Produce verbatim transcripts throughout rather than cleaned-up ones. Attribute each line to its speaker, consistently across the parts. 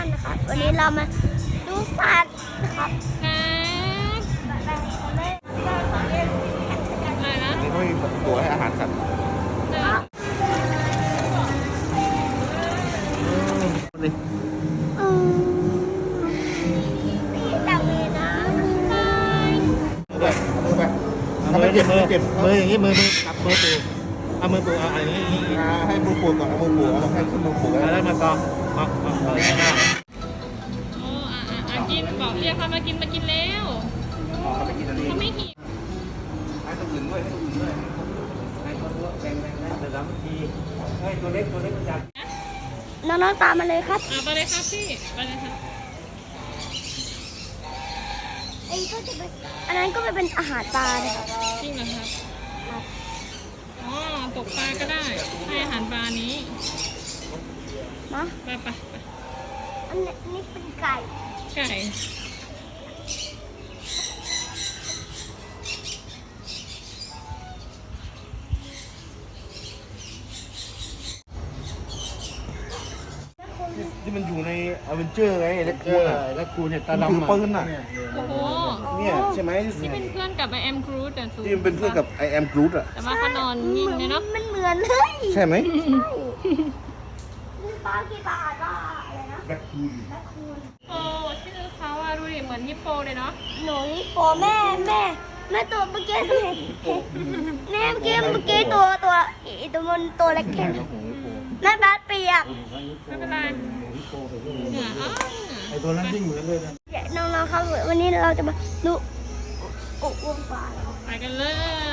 Speaker 1: นะครับวันนี้เรามาดูสัตว์นะครับ
Speaker 2: ครับอะไรนะ
Speaker 3: นี่เขามีตัวให้อาหารสัตว์นี่
Speaker 1: อืมนี่แต่เวนะบาย
Speaker 3: ด้วยมือไป
Speaker 4: เอามือเจ็บมือเจ็บมืออย่างนี้มือมือจับมือปูเอามือปูเอาอันนี้นี่
Speaker 3: อ่าให้มือปูก่อนเอามือปูเอาให้ขึ้นมือปูแล้ว
Speaker 4: แล้วมากองมามามาเลยนะ
Speaker 2: โอ้อ่ะอ่ะอ่ะกินบอกเรียกเขามากินมากินแล้ว
Speaker 3: เขาไปกินอันนี้
Speaker 2: เขาไม่หิว
Speaker 3: ให้ตัวอื่นด้วยให้ตัวอื่นด้วย
Speaker 4: ให้ตัวตัวแบ่งแบ่งนะเดี๋ยวสามทีให้ตัวเล็กตัวเล็กมันจับ
Speaker 1: น้องๆตามมาเลยครับ
Speaker 2: อ่ะไปเลยครับพี่ไปเลยครับ
Speaker 1: ไอ้ก็จะเป็นอันนั้นก็จะเป็นอาหารปลานะครับ
Speaker 2: จริงเหรอครับอ๋อตกปลาก็ได้ให้อาหารปลานี้
Speaker 1: นะ
Speaker 2: ไปไปไป
Speaker 1: อันนี้นี่เป็นไก่
Speaker 2: ไก่
Speaker 3: ที่มันอยู่ในอเวนเจอร์ไงเล็ก
Speaker 4: เอ
Speaker 3: คู
Speaker 4: อ
Speaker 3: น่ะ
Speaker 4: แล้วกูเนี่ยตา
Speaker 3: มัน
Speaker 4: ดำ
Speaker 3: ถือปืนน่ะ
Speaker 2: โอ้โห
Speaker 3: เนี่ยใช่ไหม
Speaker 2: ที่เป็นเพื่อนกับไอแอมครูดแต่สูง
Speaker 3: ที่มันเป็นเพื่อนกับไอแอมกรูดอ่ะ
Speaker 2: แต่ว่าเขานอนนิ่งเลยเนาะ
Speaker 1: มันเหมือนเลย
Speaker 3: ใช่ไหม
Speaker 1: นี่ปลากี่บาทว่าอะไรนะ
Speaker 3: แบล็คคูน
Speaker 1: แม่คุณ
Speaker 2: โอ้ชื่อเขาอะดูดิเหมือนฮิปโปเลยเนาะ
Speaker 1: หนูนี่โปแม่แม่แม่ตัวเมื่อกี้เห็นแม่เมื่อกี้เมื่อกี้ตัวตัวอีตัวมันตัวเล็กแค่นั้นแม่บาสเปียก
Speaker 2: ไม่เป็นไรเหนืออ้าว
Speaker 4: ไอตัวนั้นยิ่งเหมือนเลยนะ
Speaker 1: น้องๆครับวันนี้เราจะมาดูอุวงปลา
Speaker 2: ไปกันเลย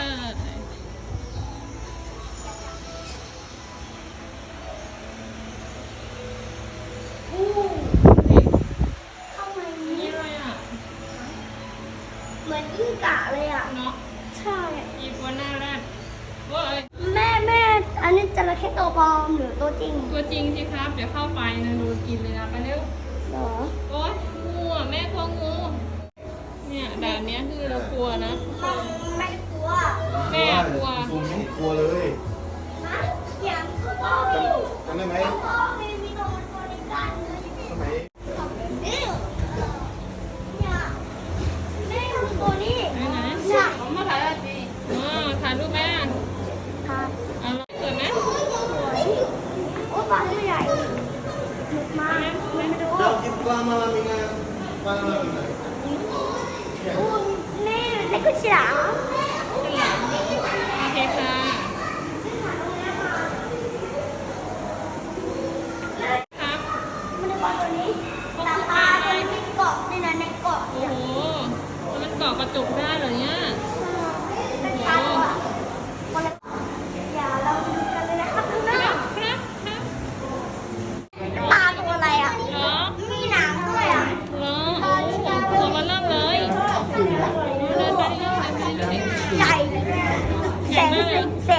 Speaker 1: อู้เข้ามา
Speaker 2: นี่
Speaker 1: นี้
Speaker 2: อะไรอ่ะ
Speaker 1: เหมือนยิ่งกะเลยอ่ะ
Speaker 2: เนาะ
Speaker 1: ใช่
Speaker 2: อีกัวหน้าแรกโอ้ย
Speaker 1: แม่แม่อันนี้จระเข้ตัวปลอมหรือตัวจริง
Speaker 2: ตัวจริงสิครับ เดี๋ยวเข้าไปนะดูกินเลยนะไปเร็ว
Speaker 1: เหรอ
Speaker 2: โอ๊ยงูอ่ะแม่กลัวงู เนี่ยด่านเนี้ยคือเรากลัวนะ
Speaker 1: ไม่กลัว
Speaker 2: แม่กลัว
Speaker 3: ซูมไม่กลัวเลย
Speaker 1: นะอย่างตัวปลอมอยู่
Speaker 3: จำได้ไหม
Speaker 1: ตัวปลอมมีมีตัวตัวในกันเลย
Speaker 3: สมัย
Speaker 1: นี่เนี่ยแม่ทำตัวนี้
Speaker 2: ไหนไหน
Speaker 1: เนี่ย
Speaker 2: มาถ่ายอะไรจีอ๋อถ่ายรูปแม่
Speaker 1: ค่ะ
Speaker 2: เอาละสวยไหม
Speaker 1: สวยโอ้ปลาตัวใหญ่หนุกมากไม่ดู
Speaker 3: เรากินปลามาลามิงาปลามาลามิงา
Speaker 1: โอ้แม่เล็กกว่าฉลาม
Speaker 2: ฉลามโอเคค่ะครับ
Speaker 1: มันในปลาตัวนี้ตาปลาตัวนี้มีเกาะในนั้นในเกาะ
Speaker 2: โอ้โหมันเกาะกระจกได้เหรอเนี่ย
Speaker 1: เป็นปลาตัวคนละอย่าเราดูกันเลยนะครับข้างหน้า
Speaker 2: ครับครับ
Speaker 1: ปลาตัวอะไรอ่ะ
Speaker 2: เหรอ
Speaker 1: มีหนังด้วยอ่ะ
Speaker 2: เหรอโอ้โหตัวมันเริ่มเลยเดินไปเรื่อยๆไปเรื่อยๆ
Speaker 1: ใหญ่แสงแส